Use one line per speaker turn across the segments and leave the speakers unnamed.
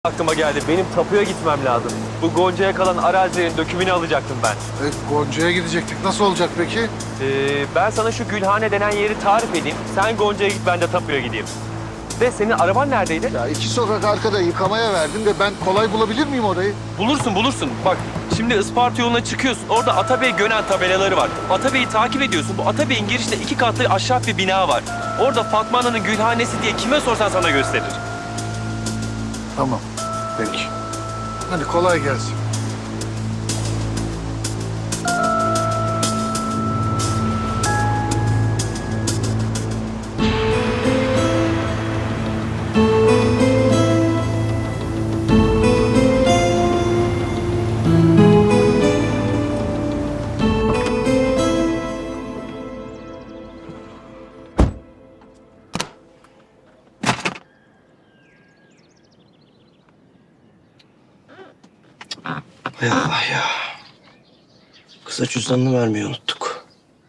Aklıma geldi. Benim tapuya gitmem lazım. Bu Gonca'ya kalan arazilerin dökümünü alacaktım ben.
Gonca'ya gidecektik. Nasıl olacak peki?
Ben sana şu Gülhane denen yeri tarif edeyim. Sen Gonca'ya git, ben de tapuya gideyim. De senin araban neredeydi?
Ya 2 sokak arkada yıkamaya verdim de ben kolay bulabilir miyim orayı?
Bulursun. Bak şimdi Isparta yoluna çıkıyorsun. Orada Atabey Gönen tabelaları var. Atabey'i takip ediyorsun. Bu Atabey'in girişinde 2 katlı ahşap bir bina var. Orada Fatma Ana'nın Gülhanesi diye kime sorsan sana gösterir.
Tamam. Peki. Hadi kolay gelsin.
Hay Allah ya. Kıza cüzdanını vermeyi unuttuk.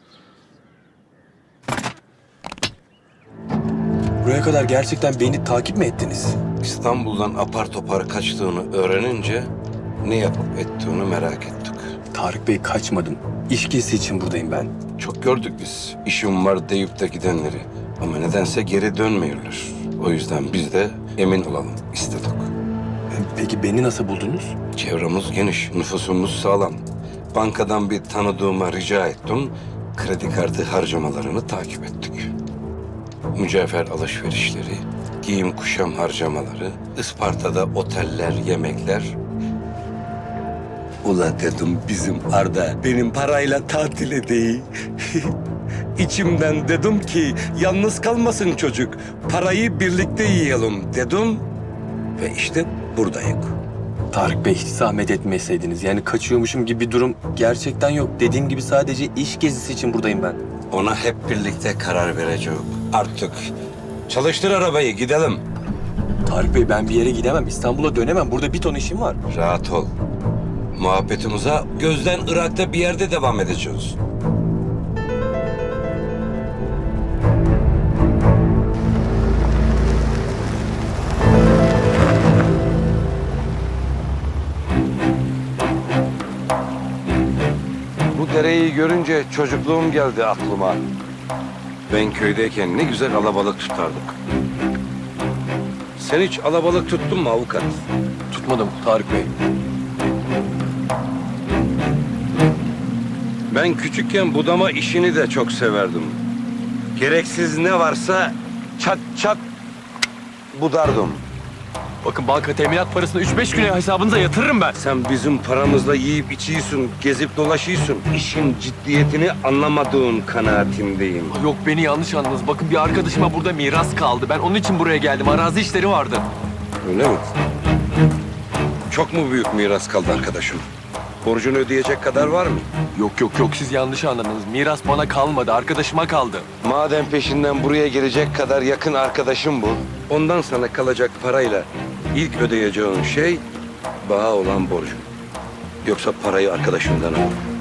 Buraya kadar gerçekten beni takip mi ettiniz?
İstanbul'dan apar topar kaçtığını öğrenince ne yapıp ettiğini merak ettik.
Tarık Bey, kaçmadım. İş gezisi için buradayım ben.
Çok gördük biz işim var deyip de gidenleri. Ama nedense geri dönmüyorlar. O yüzden biz de emin olalım istedik.
Peki beni nasıl buldunuz?
Çevremiz geniş, nüfusumuz sağlam. Bankadan bir tanıdığıma rica ettim. Kredi kartı harcamalarını takip ettik. Mücevher alışverişleri, giyim kuşam harcamaları, Isparta'da oteller, yemekler. Ula dedim bizim Arda benim parayla tatil edeyim. İçimden dedim ki yalnız kalmasın çocuk. Parayı birlikte yiyelim dedim. Ve işte buradayım.
Tarık Bey, hiç zahmet etmeseydiniz. Yani kaçıyormuşum gibi bir durum gerçekten yok. Dediğim gibi sadece iş gezisi için buradayım ben.
Ona hep birlikte karar vereceğiz. Artık çalıştır arabayı gidelim.
Tarık Bey, ben bir yere gidemem. İstanbul'a dönemem. Burada bir ton işim var.
Rahat ol. Muhabbetimize gözden Irak'ta bir yerde devam edeceğiz. Bu dereyi görünce çocukluğum geldi aklıma. Ben köydeyken ne güzel alabalık tutardık. Sen hiç alabalık tuttun mu avukat?
Tutmadım Tarık Bey.
Ben küçükken budama işini de çok severdim. Gereksiz ne varsa çat çat budardım.
Bakın banka teminat parasını 3-5 güne hesabınıza yatırırım ben.
Sen bizim paramızla yiyip içiyorsun, gezip dolaşıyorsun. İşin ciddiyetini anlamadığın kanaatindeyim.
Yok, beni yanlış anladınız. Bakın bir arkadaşıma burada miras kaldı. Ben onun için buraya geldim. Arazi işleri vardı.
Öyle mi? Çok mu büyük miras kaldı arkadaşım? Borcunu ödeyecek kadar var mı?
Yok, siz yanlış anladınız. Miras bana kalmadı, arkadaşıma kaldı.
Madem peşinden buraya gelecek kadar yakın arkadaşım bu, ondan sana kalacak parayla ilk ödeyeceğin şey bağa olan borcun. Yoksa parayı arkadaşından al.